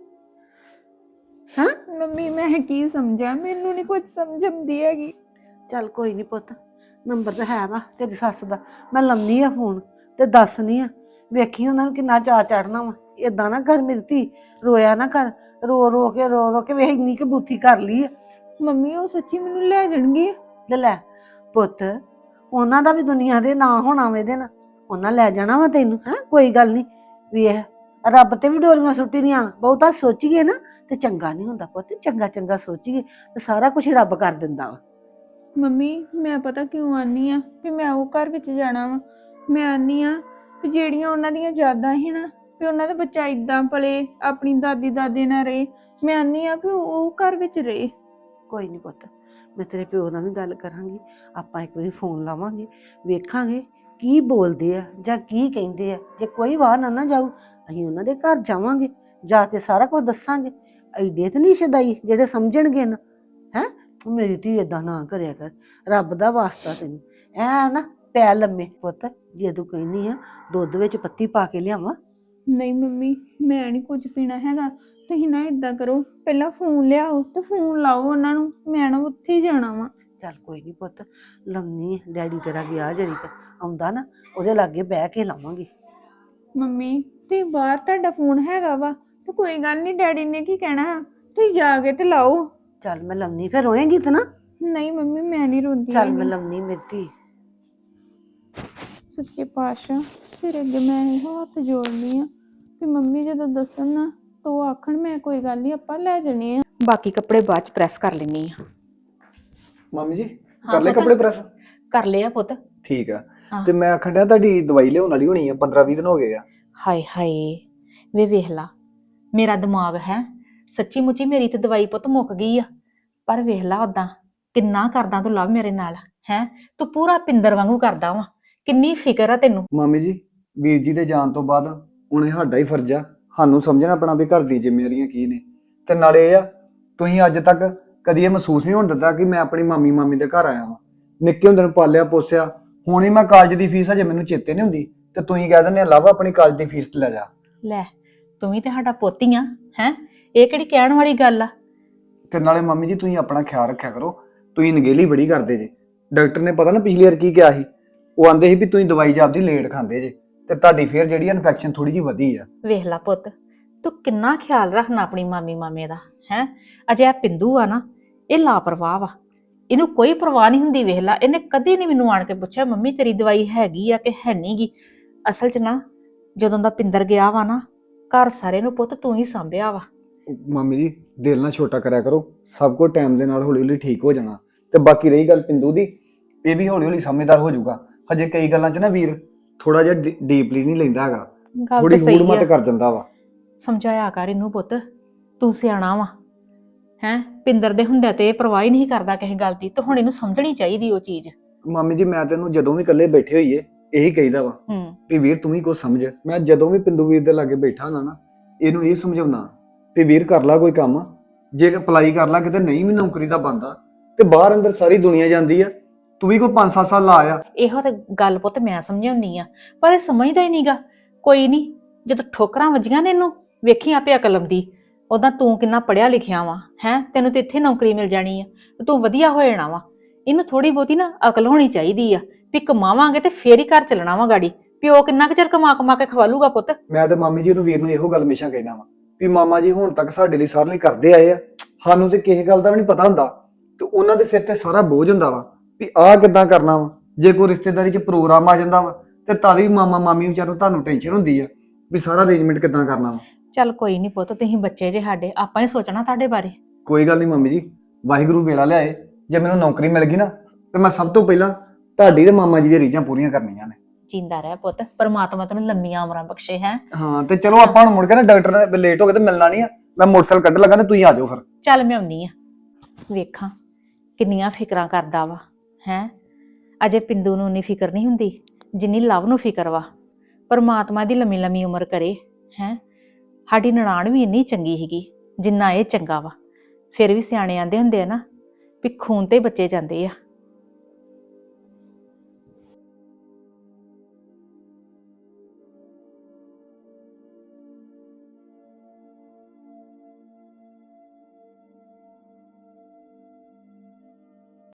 A: ਹਾਂ,
D: ਮੰਮੀ ਮੈਂ ਕੀ ਸਮਝਾਂ, ਮੈਨੂੰ ਨਹੀਂ ਕੁਝ ਸਮਝ ਆਉਂਦੀ ਹੈਗੀ।
A: ਚੱਲ ਕੋਈ ਨਹੀਂ ਪੁੱਤ, ਨੰਬਰ ਤਾਂ ਹੈ ਵਾ ਤੇਰੀ ਸੱਸ ਦਾ। ਮੈਂ ਲਾਉਂਦੀ ਆ ਫੋਨ ਤੇ ਦੱਸਣੀ ਆ। ਵੇਖੀ ਉਹਨਾਂ ਨੂੰ ਕਿੰਨਾ ਚਾਅ ਚੜਨਾ ਵਾ। ਏਦਾਂ ਨਾ ਕਰ ਮੇਰੀ ਧੀ, ਰੋਇਆ ਨਾ ਕਰ। ਰੋ ਰੋ ਕੇ ਰੋ ਰੋ ਕੇ ਵੇਖ ਇੰਨੀ ਕੁ ਬੂਥੀ ਕਰ ਲਈ ਆ।
D: ਮੰਮੀ ਉਹ ਸੱਚੀ ਮੈਨੂੰ ਲੈ ਜਾਣਗੇ?
A: ਲੈ ਲੈ ਪੁੱਤ, ਉਹਨਾਂ ਦਾ ਵੀ ਦੁਨੀਆ ਦੇ ਨਾਂ ਹੋਣਾ ਵਾ ਇਹਦੇ ਨਾਲ। ਉਹਨਾਂ ਲੈ ਜਾਣਾ ਵਾ ਤੈਨੂੰ। ਹੈ ਕੋਈ ਗੱਲ ਨਹੀਂ, ਵੇਖ ਰੱਬ ਤੇ ਵੀ ਡੋਰੀਆਂ ਸੁੱਟੀ ਦੀਆਂ। ਬਹੁਤਾ ਸੋਚੀਏ ਨਾ ਤੇ ਚੰਗਾ ਨਹੀਂ ਹੁੰਦਾ ਪੁੱਤ। ਚੰਗਾ ਚੰਗਾ ਸੋਚੀਏ ਤੇ ਸਾਰਾ ਕੁਝ ਰੱਬ ਕਰ ਦਿੰਦਾ ਵਾ।
D: ਮੰਮੀ ਮੈਂ ਪਤਾ ਕਿਉਂ ਆਨੀ ਆ ਵੀ ਮੈਂ ਉਹ ਘਰ ਵਿੱਚ ਜਾਣਾ ਵਾ। ਮੈਂ ਆਨੀ ਆ ਵੀ ਜਿਹੜੀਆਂ ਉਹਨਾਂ ਦੀਆਂ ਯਾਦਾਂ ਸੀ ਨਾ, ਵੀ ਉਹਨਾਂ ਦਾ ਬੱਚਾ ਇਦਾਂ ਪਲੇ, ਆਪਣੀ ਦਾਦੀ ਦਾਦੇ ਨਾਲ ਰਹੇ। ਮੈਂ ਆਨੀ ਆ ਵੀ ਉਹ ਘਰ ਵਿੱਚ ਰਹੇ।
A: ਕੋਈ ਨਹੀਂ ਪੁੱਤ, ਮੈਂ ਤੇਰੇ ਪਿਓ ਨਾਲ ਵੀ ਗੱਲ ਕਰਾਂਗੀ। ਆਪਾਂ ਇੱਕ ਵਾਰੀ ਫੋਨ ਲਾਵਾਂਗੇ, ਵੇਖਾਂਗੇ ਕੀ ਬੋਲਦੇ ਆ ਜਾਂ ਕੀ ਕਹਿੰਦੇ ਆ। ਜੇ ਕੋਈ ਵਾਹ ਨਾ ਨਾ ਜਾਊ, ਅਸੀਂ ਉਹਨਾਂ ਦੇ ਘਰ ਜਾਵਾਂਗੇ, ਜਾ ਕੇ ਸਾਰਾ ਕੁਝ ਦੱਸਾਂਗੇ। ਐਡੇ ਤੇ ਨਹੀਂ ਸ਼ਦਾਈ ਜਿਹੜੇ ਸਮਝਣਗੇ ਨਾ। ਹੈ ਮੇਰੀ ਧੀ ਏਦਾਂ ਨਾ ਕਰਿਆ ਕਰ, ਰੱਬ ਦਾ ਵਾਸਤਾ ਤੈਨੂੰ। ਐ ਨਾ ਪੈ ਲੰਮੇ ਪੁੱਤ। ਜੇ ਤੂੰ ਕਹਿੰਦੀ ਆ ਦੁੱਧ ਵਿੱਚ ਪੱਤੀ ਪਾ ਕੇ ਲਿਆਵਾਂ?
D: ਨਹੀਂ ਮੰਮੀ ਮੈਂ ਨਹੀਂ ਕੁਝ ਪੀਣਾ ਹੈਗਾ। ਤੁਸੀਂ ਨਾ ਇਦਾਂ ਕਰੋ, ਪਹਿਲਾਂ ਫੋਨ ਲਿਆਓ ਤੇ ਫੋਨ ਲਾਓ ਉਹਨਾਂ ਨੂੰ। ਮੈਂ ਨਾ ਉੱਥੇ ਹੀ ਜਾਣਾ ਵਾ।
A: ਚੱਲ ਕੋਈ ਨਹੀਂ ਪੁੱਤ, ਲੰਮੀ ਡੈਡੀ ਤੇਰਾ ਗਿਆ ਜਰੀ ਕ ਆਉਂਦਾ ਨਾ, ਉਹਦੇ ਲਾਗੇ ਬਹਿ ਕੇ ਲਾਵਾਂਗੇ।
D: ਮੰਮੀ ਤੇ ਬਾਹਰ ਤੁਹਾਡਾ ਫੋਨ ਹੈਗਾ ਵਾ ਤੇ ਕੋਈ ਗੱਲ ਨਹੀਂ, ਡੈਡੀ ਨੇ ਕੀ ਕਹਿਣਾ। ਤੁਸੀਂ ਜਾ ਕੇ ਤੇ ਲਾਓ।
A: ਚੱਲ ਮੈਂ ਲੰਮੀ, ਫਿਰ ਰੋਏਂਗੀ ਤੇ ਨਾ?
D: ਨਹੀਂ ਮੰਮੀ ਮੈਂ ਨਹੀਂ ਰੋਂਦੀ
A: ਚੱਲ ਮੈਂ
D: ਹੈਗੀ।
A: ਲੰਮੀ ਮੇਰੀ ਧੀ।
D: ਸੱਚੇ ਪਾਤਸ਼ਾਹ ਫਿਰ ਅੱਗੇ ਮੈਂ ਇਹ ਹੱਥ ਜੋੜਨੀ ਆ ਕਿ ਮੰਮੀ ਜਦੋਂ ਦੱਸਣ ਨਾ ਤਾਂ ਉਹ ਆਖਣ ਮੈਂ ਕੋਈ ਗੱਲ ਨਹੀਂ ਆਪਾਂ ਲੈ ਜਾਣੇ ਆ।
B: ਬਾਕੀ ਕੱਪੜੇ ਬਾਅਦ ਚ ਪ੍ਰੈਸ ਕਰ ਲੈਣੀ ਆ।
G: ਮੰਮੀ ਜੀ
B: ਹਾਂ
G: ਕਰ ਲੈ
B: ਪੁੱਤ।
G: ਕੱਪੜੇ ਪ੍ਰੈਸ?
B: ਕਰ ਲਿਆ ਪੁੱਤ।
G: ਠੀਕ ਆ।
B: ਹਾਂ।
G: ਤੇ ਮੈਂ ਆਖਣ ਡਿਆ ਤੁਹਾਡੀ ਦਵਾਈ ਲਿਆਉਣ ਵਾਲੀ ਹੋਣੀ ਆ, ਪੰਦਰਾਂ ਵੀਹ ਦਿਨ ਹੋ ਗਏ ਆ।
B: ਹਾਏ ਹਾਏ ਵੇ ਵੇਖ ਲਾ, ਮੇਰਾ ਦਿਮਾਗ ਹੈ ਸੱਚੀ ਮੁੱਚੀ ਮੇਰੀ ਤੇ ਦਵਾਈ ਪੁੱਤ ਮੁੱਕ ਗਈ ਆ। ਪਰ ਵੇਖ ਲਾ ਉਦਾਂ ਕਿੰਨਾ ਕਰਦਾ ਤੂੰ ਲਵ ਮੇਰੇ ਨਾਲ। ਹੈ ਤੂੰ ਪੂਰਾ ਪਿੰਦਰ ਵਾਂਗੂ ਕਰਦਾ ਵਾ। ਕਿੰਨੀ ਫਿਕਰ ਆ ਤੈਨੂੰ।
G: ਮਾਮੀ ਜੀ ਵੀਰ ਜੀ ਦੇ ਜਾਣ ਤੋਂ ਬਾਅਦ ਹੁਣ ਇਹ ਸਾਡਾ ਹੀ ਫਰਜ਼ ਆ, ਸਾਨੂੰ ਸਮਝਣਾ ਆਪਣਾ ਵੀ ਘਰ ਦੀ ਜ਼ਿੰਮੇਵਾਰੀਆਂ ਕੀ ਨੇ। ਤੇ ਨਾਲੇ ਇਹ ਆ, ਤੁਸੀਂ ਅੱਜ ਤੱਕ ਕਦੀ ਇਹ ਮਹਿਸੂਸ ਨਹੀਂ ਹੋਣ ਦਿੱਤਾ ਕਿ ਮੈਂ ਆਪਣੀ ਮਾਮੀ ਮਾਮੀ ਦੇ ਘਰ ਆਇਆ ਵਾਂ। ਨਿੱਕੇ ਹੁੰਦੇ ਨੂੰ ਪਾਲਿਆ ਪੋਸਿਆ। ਹੁਣ ਹੀ ਮੈਂ ਕਾਲਜ ਦੀ ਫੀਸ ਅਜੇ ਮੈਨੂੰ ਚੇਤੇ ਨਹੀਂ ਹੁੰਦੀ ਤੇ ਤੁਸੀਂ ਕਹਿ ਦਿੰਦੇ ਲਵ ਆਪਣੀ ਕਾਲਜ ਦੀ ਫੀਸ ਤੇ ਲੈ ਜਾ।
B: ਲੈ ਤੂੰ ਵੀ ਤੇ ਸਾਡਾ ਪੋਤੀ ਆ। ਹੈ ਇਹ ਕਿਹੜੀ ਕਹਿਣ ਵਾਲੀ ਗੱਲ ਆ।
G: ਤੇ ਨਾਲੇ ਮੰਮੀ ਜੀ ਤੁਸੀਂ ਆਪਣਾ ਖਿਆਲ ਰੱਖਿਆ ਕਰੋ। ਤੁਸੀਂ ਨਗੇਲੀ ਬੜੀ ਕਰਦੇ ਜੇ। ਡਾਕਟਰ ਨੇ ਪਤਾ ਨਾ ਪਿਛਲੀ ਵਾਰ ਕੀ ਕਿਹਾ ਸੀ, ਉਹ ਆਂਦੇ ਸੀ ਵੀ ਤੁਸੀਂ ਦਵਾਈ ਜਾਪਦੀ ਲੇਟ ਖਾਂਦੇ ਜੇ ਤੇ ਤੁਹਾਡੀ ਫੇਰ ਜਿਹੜੀ ਇਨਫੈਕਸ਼ਨ ਥੋੜੀ ਜਿਹੀ ਵਧੀ ਆ।
B: ਵੇਖ ਲਾ ਪੁੱਤ, ਤੂੰ ਕਿੰਨਾ ਖਿਆਲ ਰੱਖਣਾ ਆਪਣੀ ਮਾਮੀ ਮਾਮੇ ਦਾ। ਹੈ ਅਜੇ ਆ ਪਿੰਦੂ ਆ ਨਾ, ਇਹ ਲਾਪਰਵਾਹ ਵਾ। ਇਹਨੂੰ ਕੋਈ ਪਰਵਾਹ ਨਹੀਂ ਹੁੰਦੀ। ਵੇਖ ਲਾ ਇਹਨੇ ਕਦੀ ਨਹੀਂ ਮੈਨੂੰ ਆਣ ਕੇ ਪੁੱਛਿਆ ਮੰਮੀ ਤੇਰੀ ਦਵਾਈ ਹੈਗੀ ਆ ਕਿ ਹੈ ਨੀ ਗੀ। ਅਸਲ 'ਚ ਨਾ ਜਦੋਂ ਦਾ ਪਿੰਦਰ ਗਿਆ ਵਾ ਨਾ, ਘਰ ਸਾਰੇ ਨੂੰ ਪੁੱਤ ਤੂੰ ਹੀ ਸਾਂਭਿਆ ਵਾ।
G: ਮਾਮੀ ਜੀ ਦਿਲ ਨਾ ਛੋਟਾ ਕਰਿਆ ਕਰੋ, ਸਭ ਕੁਝ ਟਾਈਮ ਦੇ ਨਾਲ ਹੌਲੀ ਹੌਲੀ ਠੀਕ ਹੋ ਜਾਣਾ। ਤੇ ਬਾਕੀ ਰਹੀ ਗੱਲ ਪਿੰਦੂ ਦੀ, ਇਹ ਵੀ ਹੌਲੀ ਹੌਲੀ ਸਮਝਦਾਰ ਹੋ ਜਾਊਗਾ। ਹਜੇ ਕਈ ਗੱਲਾਂ 'ਚ ਨਾ ਵੀਰ ਥੋੜਾ ਜਿਹਾ ਡੀਪਲੀ ਨਹੀਂ ਲੈਂਦਾ ਹੈਗਾ,
B: ਗੱਲ
G: ਥੋੜੀ
B: ਤਾਂ ਸਹੀ
G: ਹੂੜ ਮਤ
B: ਆ।
G: ਕਰ ਜਾਂਦਾ ਵਾ।
B: ਸਮਝਾਇਆ ਕਰ ਇਹਨੂੰ ਪੁੱਤ, ਤੂੰ ਸਿਆਣਾ ਵਾ ਹੈਂ। ਪਿੰਦਰ ਦੇ ਹੁੰਦਿਆਂ ਤੇ ਇਹ ਪਰਵਾਹ ਹੀ ਨਹੀਂ ਕਰਦਾ ਕਿਸੇ ਗੱਲ ਦੀ, ਤੇ ਹੁਣ ਇਹਨੂੰ ਸਮਝਣੀ ਚਾਹੀਦੀ ਉਹ ਚੀਜ਼।
G: ਮਾਮੀ ਜੀ ਮੈਂ ਤੈਨੂੰ ਜਦੋਂ ਵੀ ਇਕੱਲੇ ਬੈਠੇ ਹੋਈਏ ਇਹੀ ਕਹੀਦਾ ਵਾ
B: ਹੂੰ
G: ਵੀ ਵੀਰ ਤੂੰ ਵੀ ਕੁਝ ਸਮਝ। ਮੈਂ ਜਦੋਂ ਵੀ ਪਿੰਦੂ ਵੀਰ ਦੇ ਲਾਗੇ ਬੈਠਾ ਹੁੰਦਾ ਨਾ ਇਹਨੂੰ ਇਹ ਸਮਝਾਉਣਾ ਵੀ ਵੀਰ ਕਰ ਲਾ ਕੋਈ ਕੰਮ, ਜੇ ਅਪਲਾਈ ਕਰ ਲਾ ਕਿਤੇ ਨਹੀਂ ਵੀ ਨੌਕਰੀ ਦਾ ਬੰਦਾ ਤੇ ਬਾਹਰ ਅੰਦਰ ਸਾਰੀ ਦੁਨੀਆ ਜਾਂਦੀ ਆ, ਤੂੰ ਵੀ ਕੋਈ ਪੰਜ ਸੱਤ ਸਾਲ ਲਾ ਆ।
B: ਇਹੋ ਤੇ ਗੱਲ ਪੁੱਤ ਮੈਂ ਸਮਝਾਉਣੀ ਆ, ਪਰ ਇਹ ਸਮਝਦਾ ਹੀ ਨਹੀਂਗਾ। ਕੋਈ ਨਹੀਂ, ਜਦੋਂ ਠੋਕਰਾਂ ਵੱਜੀਆਂ ਨੇ ਇਹਨੂੰ ਵੇਖੀ ਆਪੇ ਅਕਲ ਆਉਂਦੀ। ਉਦਾਂ ਤੂੰ ਕਿੰਨਾ ਪੜਿਆ ਲਿਖਿਆ ਵਾ ਹੈਂ, ਤੈਨੂੰ ਤੇ ਇੱਥੇ ਨੌਕਰੀ ਮਿਲ ਜਾਣੀ ਆ ਤੇ ਤੂੰ ਵਧੀਆ ਹੋ ਜਾਣਾ ਵਾ। ਇਹਨੂੰ ਥੋੜੀ ਬਹੁਤੀ ਨਾ ਅਕਲ ਹੋਣੀ ਚਾਹੀਦੀ ਆ ਵੀ ਕਮਾਵਾਂਗੇ ਤੇ ਫੇਰ ਹੀ ਘਰ ਚੱਲਣਾ ਵਾ ਗਾੜੀ। ਪਿਓ ਕਿੰਨਾ ਕੁ ਚਿਰ ਕਮਾ ਕਮਾ ਕੇ ਖਵਾਲੂਗਾ ਪੁੱਤ।
G: ਮੈਂ ਤੇ ਮਾਮੀ ਜੀ ਨੂੰ ਵੀਰ ਨੂੰ ਇਹੋ ਗੱਲ ਹਮੇਸ਼ਾ ਕਹਿਣਾ ਵਾ ਵੀ ਮਾਮਾ ਜੀ ਹੁਣ ਤੱਕ ਸਾਡੇ ਲਈ ਸਾਰੇ ਲਈ ਕਰਦੇ ਆਏ ਆ, ਸਾਨੂੰ ਤੇ ਕਿਸੇ ਗੱਲ ਦਾ ਵੀ ਨਹੀਂ ਪਤਾ ਹੁੰਦਾ ਤੇ ਉਹਨਾਂ ਦੇ ਸਿਰ ਤੇ ਸਾਰਾ ਬੋਝ ਹੁੰਦਾ ਵਾ ਵੀ ਆਹ ਕਿੱਦਾਂ ਕਰਨਾ ਵਾ। ਜੇ ਕੋਈ ਰਿਸ਼ਤੇਦਾਰੀ 'ਚ ਪ੍ਰੋਗਰਾਮ ਆ ਜਾਂਦਾ ਵਾ ਤੇ ਤਾਂ ਵੀ ਮਾਮਾ ਮਾਮੀ ਵਿਚਾਰੋਂ ਤੁਹਾਨੂੰ ਟੈਨਸ਼ਨ ਹੁੰਦੀ ਆ ਵੀ ਸਾਰਾ ਅਰੇਂਜਮੈਂਟ ਕਿੱਦਾਂ ਕਰਨਾ ਵਾ।
B: ਚੱਲ ਕੋਈ ਨਹੀਂ ਪੁੱਤ, ਤੁਸੀਂ ਬੱਚੇ ਜੇ ਸਾਡੇ, ਆਪਾਂ ਹੀ ਸੋਚਣਾ ਤੁਹਾਡੇ ਬਾਰੇ।
G: ਕੋਈ ਗੱਲ ਨਹੀਂ ਮੰਮੀ ਜੀ, ਵਾਹਿਗੁਰੂ ਵੇਲਾ ਲਿਆਏ, ਜੇ ਮੈਨੂੰ ਨੌਕਰੀ ਮਿਲ ਗਈ ਨਾ ਤੇ ਮੈਂ ਸਭ ਤੋਂ ਪਹਿਲਾਂ ਤੁਹਾਡੀ ਤੇ ਮਾਮਾ ਜੀ ਦੀਆਂ ਰੀਝਾਂ ਪੂਰੀਆਂ ਕਰਨੀਆਂ ਨੇ।
B: ਜਿੰਦਾ ਰਹਿ ਪੁੱਤ, ਪਰਮਾਤਮਾ ਤੈਨੂੰ ਲੰਮੀਆਂ ਉਮਰਾਂ ਬਖਸ਼ੇ ਹੈ।
G: ਹਾਂ ਤੇ ਚਲੋ ਆਪਾਂ ਹੁਣ ਮੁੜ ਕੇ ਨਾ ਡਾਕਟਰ ਨੇ ਲੇਟ ਹੋ ਗਏ ਤੇ ਮਿਲਣਾ ਨਹੀਂ ਆ, ਮੈਂ ਮੋਟਰਸਾਈਕਲ ਕੱਢ ਲੱਗਾ ਤੇ ਤੁਸੀਂ ਆ ਜਾਓ ਫਿਰ।
B: ਚੱਲ ਮੈਂ ਆਉਣੀ ਆ, ਵੇਖਾਂ ਕਿੰਨੀਆਂ ਫਿਕਰਾਂ ਕਰਦਾ ਵਾ ਹੈ। ਅਜੇ ਪਿੰਦੂ ਨੂੰ ਨਹੀਂ ਫਿਕਰ ਨਹੀਂ ਹੁੰਦੀ ਜਿੰਨੀ ਲਵ ਨੂੰ ਫਿਕਰ ਵਾ। ਪਰਮਾਤਮਾ ਦੀ ਲੰਮੀ ਲੰਮੀ ਉਮਰ ਕਰੇ ਹੈ। ਸਾਡੀ ਨਨਾਣ ਵੀ ਇੰਨੀ ਚੰਗੀ ਸੀਗੀ ਜਿੰਨਾ ਇਹ ਚੰਗਾ ਵਾ। ਫਿਰ ਵੀ ਸਿਆਣੇ ਆਂਦੇ ਹੁੰਦੇ ਆ ਨਾ ਵੀ ਖੂਨ ਤੇ ਬੱਚੇ ਜਾਂਦੇ ਆ।